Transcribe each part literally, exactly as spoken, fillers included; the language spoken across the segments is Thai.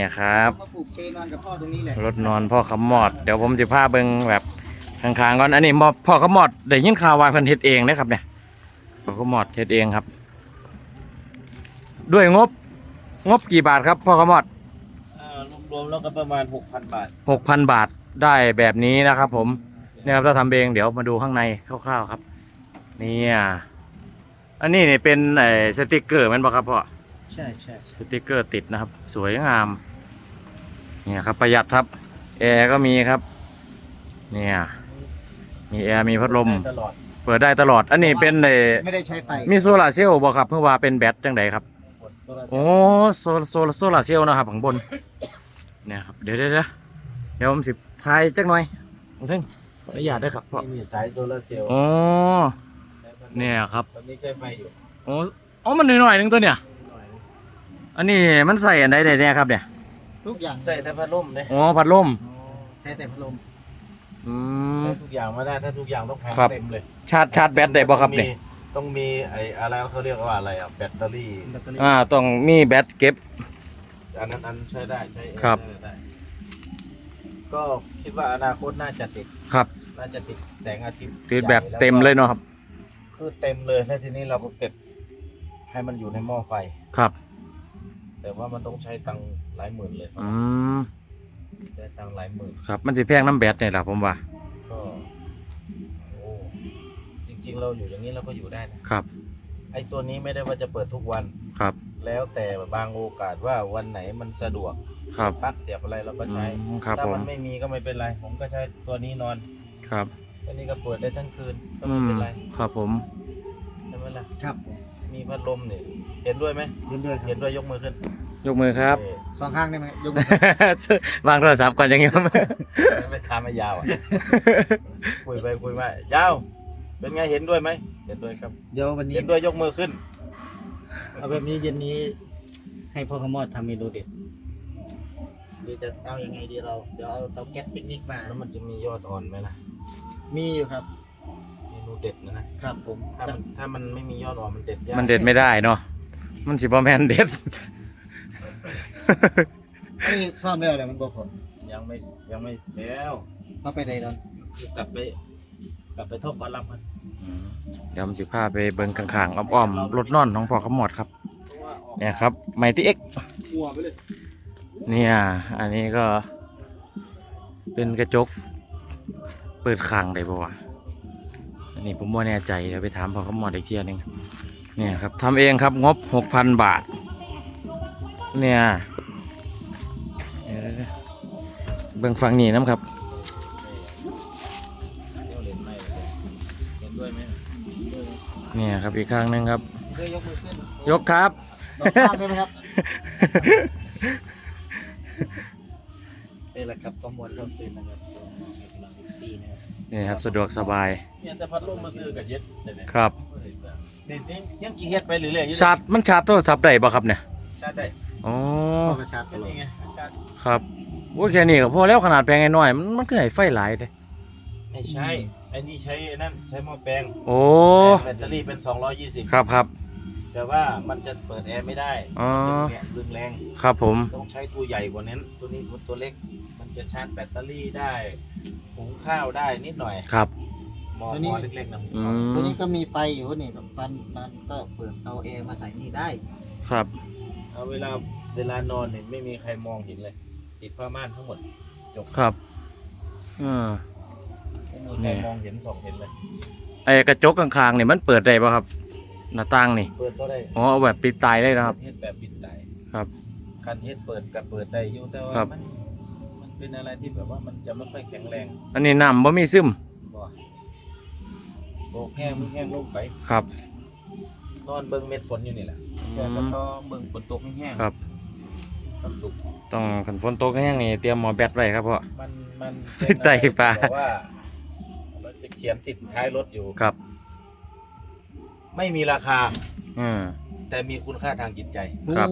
ครับมาปลูกเปนอนกับพ่อตรงนี้แหละรถนอนพ่อขมอดเดี๋ยวผมจะพาเบิ่งแบบข้างๆก่อนอันนี้พ่อขมอดได้ยินข่าวว่าเพิ่นเฮ็ดเองนะครับเนี่ยพ่อขมอดเฮ็ดเองครับด้วยงบงบกี่บาทครับพ่อขมอดรวมๆแล้วก็ประมาณหกพันบาทหกพันบาทได้แบบนี้นะครับผมเนี่ยครับเราทำเองเดี๋ยวมาดูข้างในคร่าวๆครับนี่อันนี้เนี่ยเป็นไอ้สติกเกอร์มันบอกครับพ่อใช่ใช่สติกเกอร์ติดนะครับสวยงามเนี่ยครับประหยัดครับแอร์ก็มีครับเนี่ยมีแอร์มีพัดลมเปิดได้ตลอดอันนี้เป็นไอ้ไม่ได้ใช้ไฟมีโซลาร์เซลล์บอกครับเพื่อว่าเป็นแบตจังไดครับโอ้โซโซโซลาร์เซลล์นะครับข้างบนเนี่ยครับเดี๋ยวเดี๋ยวเดี๋ยวผมสิพายจักหน่อยผมถึงขออนุญาตด้วยครับพ่อมีสายโซลาร์เซลล์อ๋อเนี่ยครับตอนนี้ใช้ไฟอยู่โอ้อ๋อมันหน่อยๆนึงตัวเนี่ยอันนี้มันใส่อันใดได้เนี่ยครับเนี่ยทุกอย่างใส่แต่พัดลมเลยอ๋อพัดลมใช้แต่พัดลมอืมใช้ทุกอย่างมาได้ถ้าทุกอย่างต้องแพงเต็มเลยชาร์จชาร์จแบตได้บ่ครับเนี่ยต้องมีไอ้อะไรเขาเรียกว่าอะไรอ่ะแบตเตอรี่อ่าต้องมีแบตเก็บอันนั้นอันใช้ได้ใช้ครับก็คิดว่าอนาคตน่าจะติดครับน่าจะติดแสงอาทิตย์ติดแบบเต็มเลยเนาะครับคือเต็มเลยแล้วทีนี้เราก็เก็บให้มันอยู่ในหม้อไฟครับแต่ว่ามันต้องใช้ตังค์หลายหมื่นเลยอืมใช้ตังค์หลายหมื่นครับมันสิแพงน้ำแบตเนี่ยแหละผมว่าก็โอ้จริงๆเราอยู่อย่างนี้เราก็อยู่ได้นะครับไอ้ตัวนี้ไม่ได้ว่าจะเปิดทุกวันครับแล้วแต่บางโอกาสว่าวันไหนมันสะดวกครับปลั๊กเสียบอะไรเราก็ใช้ถ้ามันไม่มีก็ไม่เป็นไรผมก็ใช้ตัวนี้นอนครับตัวนี้ก็เปิดได้ทั้งคืนก็ไม่เป็นไรครับผมใช่ไหมล่ะครับมีพัดลมเนี่ยเห็นด้วยไหมเห็นด้วยเห็นด้วยยกมือขึ้นยกมือครับสองข้างได้ไหมยกมือวางโทรศัพท์ก่อนอย่างเงี้ยไม่ทำไม่ยาวอ่ะคุยไปคุยมายาวเป็นไงเห็นด้วยไหมเห็นด้วยครับเดี๋ยววันนี้เห็นด้วยยกมือขึ้นเอาแบบนี้เย็นนี้ให้พ่อขมอดทำเมนูเด็ดหรือจะเอายังไงดีเราเดี๋ยวเอาเตาแก๊สปิกนิกมาแล้วมันจะมียอดอ่อนไหมล่ะมีอยู่ครับเมนูเด็ดนะนะครับผมถ้ามันถ้ามันไม่มียอดอ่อนมันเด็ดยากมันเด็ดไม่ได้เนาะมันสิบ่แม่นเด็ดอันนี้ซ่อมแล้วเลยมันบอกผมยังไม่ยังไม่แล้วเข้าไปไหนตอนกลับไปกลับไปทบปลาลับมันเดี๋ยวผมจะพาไปเบิ่งข้างๆอ้อมๆรถนอนของพ่อขมอดครับเนี่ยครับไมตี้เอ็กเนี่ยอันนี้ก็เป็นกระจกเปิดข้างได้ป่าวอันนี้ผมไม่แน่ใจเดี๋ยวไปถามพ่อขมอดอีกทีนึงเนี่ยครับทำเองครับงบหกพันบาทเนี่ยเบิ่งฝั่งนี้นะครับเนี่ยครับอีกข้างนึงครับยกครับได้ไหมครับนี่แหละครับข้อมูลเริ่มตื่นนะครับนี่ครับสะดวกสบายเนี่ยแต่พัดลมมาซื้อกับเย็ดครับนี่นี่ยังกี่เฮ็ดไปเรื่อยๆชาร์จมันชาร์จโทรศัพท์ได้ป่ะครับเนี่ยชาร์จได้อ๋อชาร์จนี่ไงชาร์จครับโอเคนี่ก็พอแล้วขนาดแพงน้อยมันมันคือให้ไฟหลายเลยไม่ใช่ไอ้นี่ใช้นั่นใช้หม้อแปลงโอ้แบตเตอรี่เป็นสองร้อยยี่สิบครับครับแต่ว่ามันจะเปิดแอร์ไม่ได้อ๋อดึงแรงครับผมต้องใช้ตัวใหญ่กว่านั้นตัวนี้ตัวเล็กมันจะชาร์จแบตเตอรี่ได้หุงข้าวได้นิดหน่อยครับหม้อเล็กๆนะตัวนี้ก็มีไฟอยู่นี่แบบมันมันก็เปิดเอาแอร์มาใส่นี่ได้ครับเอาเวลาเวลานอนเนี่ยไม่มีใครมองเห็นเลยติดผ้าม่านทั้งหมดจบครับอ่าไม่มีใครมองเห็นส่องเห็นเลยไอ้กระจกข้างๆเนี่ยมันเปิดได้ป่ะครับหน้าต่างนี่เปิดก็ได้อ๋อเอาแบบปิดตายได้นะครับเฮ็ดแบบปิดตายครับคันเฮ็ดเปิดกับเปิดได้อยู่แต่ว่ามันมันเป็นอะไรที่แบบว่ามันจะไม่ค่อยแข็งแรงอันนี้น้ำบ่มีซึมบ่โบกแห้งมันแห้งลงไปครับนอนเบิ่งเม็ดฝนอยู่นี่แหละแค่กระซ้อเบิ่งฝนตกแห้งครับต้องขันฝนตกแห้งนี่เตรียมหมอแบตไว้ครับเพราะมันมันไต่ปลาว่าเราจะเขียนติดท้ายรถอยู่ครับไม่มีราคาอืมแต่มีคุณค่าทางจิตใจครับ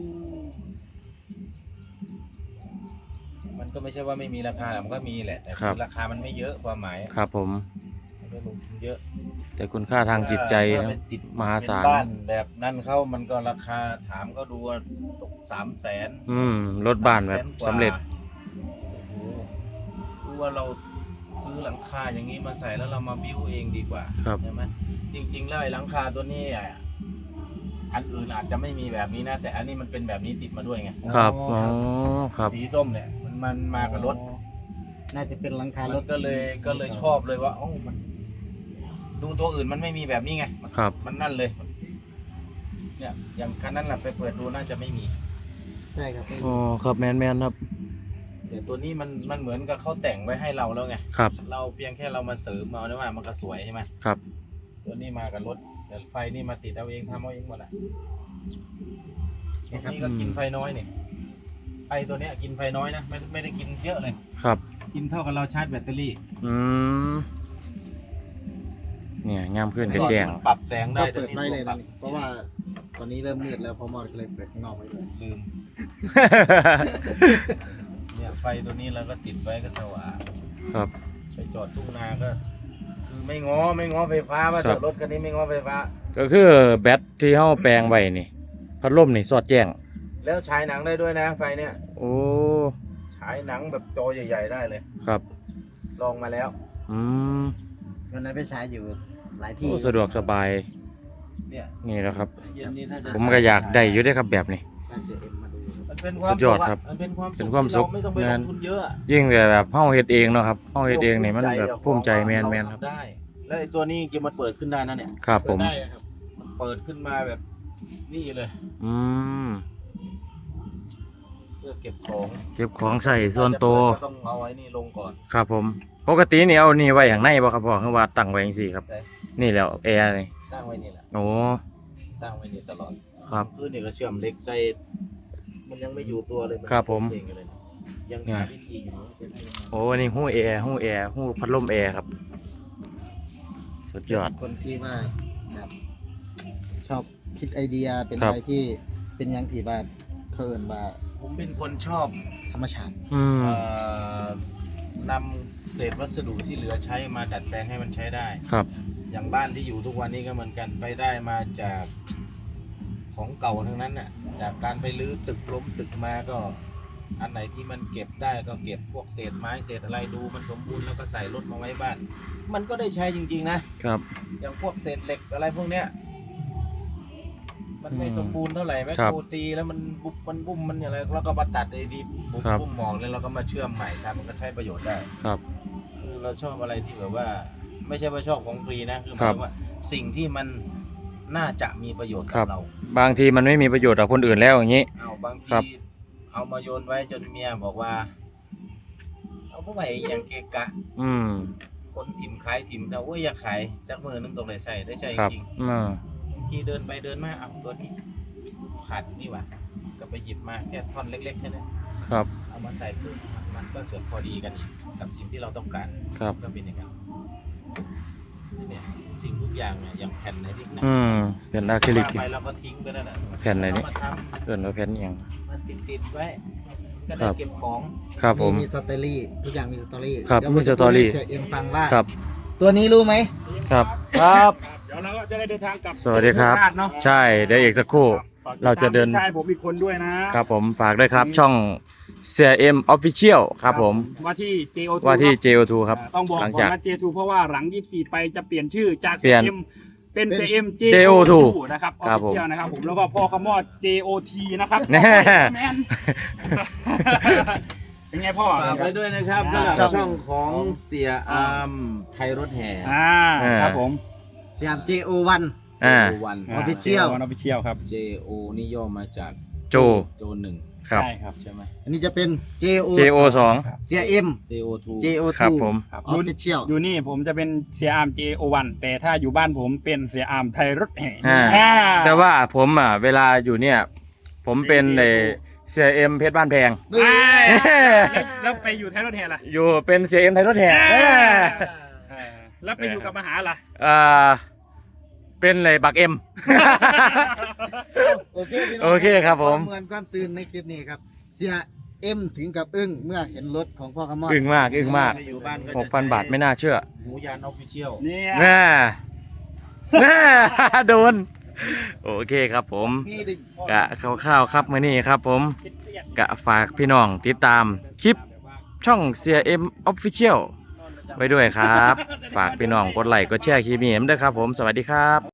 มันก็ไม่ใช่ว่าไม่มีราคามันก็มีแหละแต่ราคามันไม่เยอะความหมายครับผมไม่ลงทุนเยอะแต่คุณค่าทางจิตใจถ้านะเป็นติดมหาศาลเป็นบ้านแบบนั้นเขามันก็ราคาถามก็ดูว่าตกสามแสนอืมรถบ้านแบบสำเร็จโอ้โหรู้ว่าเราซื้อหลังคาอย่างนี้มาใส่แล้วเรามาบิ้วเองดีกว่าครับใช่ไหมจริงๆแล้วไอ้หลังคาตัวนี้อ่ะอันอื่นอาจจะไม่มีแบบนี้นะ แต่อันนี้มันเป็นแบบนี้ติดมาด้วยไงครับอ๋อครับสีส้มเนี่ยมันมันมากับรถน่าจะเป็นหลังคารรถถก็เลยก็เลยชอบเลยว่าอ๋อมัน ดูตัวอื่นมันไม่มีแบบนี้ไงครับมันนั่นเลย เนี่ยอย่างคันนั้นแหละไปเปิดดูน่าจะไม่มีใช่ครับอ๋อครับแมนแมนครับแต่ตัวนี้มันมันเหมือนกับเขาแต่งไว้ให้เราแล้วไงครับเราเพียงแค่เรามาเสริมเอาเนี่ยว่ามันก็สวยใช่ไหมครับตัวนี้มากับรถแต่ไฟนี่มาติดเอาเองทำเอาเองหมดอ่ะตัวนี้ก็กินไฟน้อยนี่ไอตัวเนี้ยกินไฟน้อยนะไม่ไม่ได้กินเยอะเลยครับกินเท่ากับเราชาร์จแบตเตอรี่อืมเนี่ยงามขึ้นกระแจงปรับแสงได้ก็เปิดไว้เลยปรันะบเพราะว่าตอนนี้เริ่มมืดแล้วพอมอดก็เลยเปิดข้างนอกไว้เลยลืมเนี่ยไฟตัวนี้เราก็ติดไว้ก็สว่างครับไปจอดทุ่งนาก็คือไม่ง้อไม่ง้อไฟฟ้ามาครัจบอดรถคันนี้ไม่ง้อไฟฟ้าก็คือแบตที่เฮาแปลงไว้นี่พัดลมนี่สอดแจ้งแล้วฉายหนังได้ด้วยนะไฟเนี่ยโอ้ฉายหนังแบบจอใหญ่ๆได้เลยครับลองมาแล้วอืมวันนั้นไปใช้อยู่หลายที่โอ้สะดวกสบายเนี่ยนี่แหละครับเย็นนี้ถ้าจะผมก็อยากได้อยู่เด้อครับแบบนี้ไปเสียเอ็มมาดูครับมันเป็นความสุดยอดสุขะครับมันเป็นความเป็นความสุขที่เรไม่ต้องไปลงทุนเยอะอะยิ่งแต่แบบเฮาเฮ็ดเองเนาะครับเฮาเฮ็ดเองนี่มันแบบภูมิใจแมนแมนครับได้ แล้วไอ้ตัวนี้จริงๆมันเปิดขึ้นได้นะเนี่ยครับผมเปิดได้ครับเปิดขึ้นมาแบบนี่เลยอืมเพื่อเก็บของเก็บของใส่ส่วนตัวก็ต้องเอาไว้นี่ลงก่อนครับผม ปกตินี่เอานี่ไว้อย่างในบ่ครับพ่อคือว่าตั้งไว้จังซี่ครับได้นี่แหล้วแอร์นี่ตั้งไว้นี่แหละโอ้ตั้งไว้นี่ตลอดครับคือนี่ก็เชื่อมเหล็กใส่มันยังไม่อยู่ตัวเลยนครับผมเองเลยยังเนี่ยหาวิธีอยู่ว่าจะได้ยังไงโอ้นี่หู้แอร์หู้แอร์หู้พัดลมแอร์ครับ สุดยอดคนที่ว่าแบบชอบคิดไอเดียเป็นครับอะไรที่เป็นอยังที่ว่าเขาเอินว่าผมเป็นคนชอบธรรมชาติอืมเอ่อนำเศษวัสดุที่เหลือใช้มาดัดแปลงให้มันใช้ได้ครับอย่างบ้านที่อยู่ทุกวันนี้ก็เหมือนกันไปได้มาจากของเก่าทั้งนั้นน่ะจากการไปรื้อตึกล้มตึกมาก็ อันไหนที่มันเก็บได้ก็เก็บพวกเศษไม้เศษอะไรดูมันสมบูรณ์แล้วก็ใส่รถมาไว้บ้าน มันก็ได้ใช้จริงๆนะครับ อย่างพวกเศษเหล็กอะไรพวกเนี้ยมันไม่อืมสมบูรณ์เท่าไหร่แม่ครับโคตีแล้วมันบุบมันบุ้มมันอะไรแล้วก็มาตัดไอ้ดีบุบครับบุ้มหมองแล้วเราก็มาเชื่อมใหม่ทำมันก็ใช้ประโยชน์ได้ครับคือเราชอบอะไรที่แบบว่า ไม่ใช่ว่าชอบของฟรีนะคือหครัมายบถึงว่าสิ่งที่มันน่าจะมีประโยชน์ครักับบ เราบางทีมันไม่มีประโยชน์กับคนอื่นแล้วอย่างนี้เอาบางครัทีบเอามาโยนไว้จนเมียบอกว่า เอาพวกไหนอย่างเกะกะอืมคนถิ่มขายถิ่มจะโอ้ยอยากขายสักมือนึงตรงไหนใส่ได้ใช่ครับจริงอืมบางทีเดินไปเดินมาเอาตัวนี้ขาดนี่หว่าก็ไปหยิบมาแค่ท่อนเล็กๆแค่นั้นครับเอามาใส่ปุ๊บมันก็เสือกพอดีกันอีกกับสิ่งที่เราต้องการครับก็เป็นอย่างนั้นเนี่ยสิ่งทุกอย่างเนี่ยอย่างแผ่นไหนที่หนักอืมเป็นอะคริลิกวางไปเราก็ทิ้งไปนั่นแหละแผ่นไหนนี่เอามาทเกินว่าแผ่นอหย่างำมาติดติดๆไว้ ก็คได้รับเก็บของครับผมมีสตอรี่ทุกอย่างมีสตอรี่ครับเดี๋ยวมีสตอรี่ผมจะพูดให้เสียเอ็มฟังว่าครับตัวนี้รู้ไหมครับ ครับเดี๋ยวเราก็จะได้เดินทางกลับสวัสดีครับโคาชเนาะใช่เดี๋ยวอีกสักครู่ฝกติตมเราจะเดินพี่ชายผมอีกคนด้วยนะครับผมฝากด้วยครับช่อง ซี เอ็ม Official ครับผมว่าที่ เจ โอ ทูว่าที่เนอะเจ โอ ทู ครับอ่าต้องบอกหลังก่อจากนว่า เจ ทู เพราะว่าหลังยี่สิบสี่ไปจะเปลี่ยนชื่อจากเปลี่ยนซี เอ็ม เป็นเป็นซี เอ็ม เจเจ โอ ทูนะครับครับผม Official นะครับผมแล้วก็พ่อขมอด เจ โอ ที นะครับแน่แมน เป็นไงพ่อฝากไว้ด้วยนะครับสำหรับช่องของเสียอามไทยรถแห่อ่าอ่าครับผมสยาม เจ โอ วันอ่าวัน Official ออฟฟิเชียลครับเจโอนี่ย่อมาจากโจโจหนึ่งครับใช่ครับใช่ไหมอันนี้จะเป็น เจ โอเจ โอ สองเสียเอ็มเจโอทูเจ โอครับทูผมครับออฟฟิเชียลอยู่นี่ผมจะเป็นเสียอาร์ม เจ โอ วัน แต่ถ้าอยู่บ้านผมเป็นเสียอาร์มไทยรถแห่อ่าอ่าแต่ว่าผมอ่ะเวลาอยู่เนี่ย ผมเป็นเอเซียเอ็มเพชรบ้านแพงอ่าเอ้ยแล้วแล้วไปอยู่ไทยรถแห่ล่ะอยู่เป็นเซียเอ็มไทยรถแห่เอ้ยเอ้ยแล้วไปอยู่กับมหาล่ะอ่าเป็นเลยบักเอ็มโอเคพี่น้งโอเคครับผมวามเหมือนความซื่นในคลิปนี้ครับ เสียเอ็มถึงกับอึ้งเมื่อเห็นรถของพ่อขมอดอึ้งมากอึ้งมากอยู่บ้านก็จะหกพันบาทไม่น่าเชื่อหมูยานออฟฟิเชียลเนี่ยน่าน่าโดน โอเคครับผมนี่ดิกะคร่าวๆครับมื้อนี้ครับผมกะฝากพี่น้องติดตามคลิปช่องเสียเอ็มออฟฟิเชียลไว้ด้วยครับ ฝากพี่น้องกดไลค์กดแชร์คลิปนี้ด้วยครับผมสวัสดีครับ